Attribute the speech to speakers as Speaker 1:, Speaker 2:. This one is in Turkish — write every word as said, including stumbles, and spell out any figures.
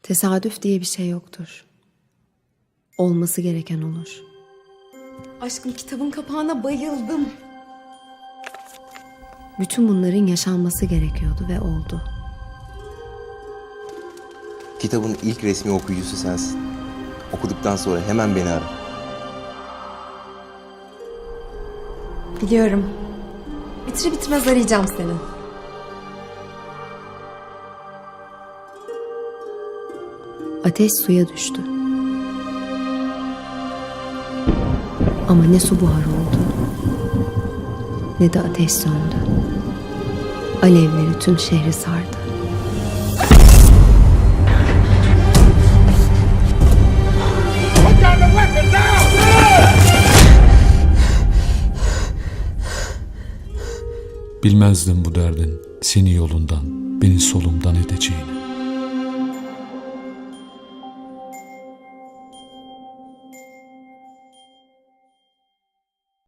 Speaker 1: Tesadüf diye bir şey yoktur. Olması gereken olur.
Speaker 2: Aşkım, kitabın kapağına bayıldım.
Speaker 1: Bütün bunların yaşanması gerekiyordu ve oldu.
Speaker 3: Kitabın ilk resmi okuyucusu sensin. Okuduktan sonra hemen beni ara.
Speaker 2: Biliyorum. Bitir bitirmez arayacağım seni.
Speaker 1: Ateş suya düştü. Ama ne su buhar oldu, ne de ateş söndü. Alevleri tüm şehri sardı.
Speaker 4: Bilmezdim bu derdin seni yolundan, beni solumdan edeceğini.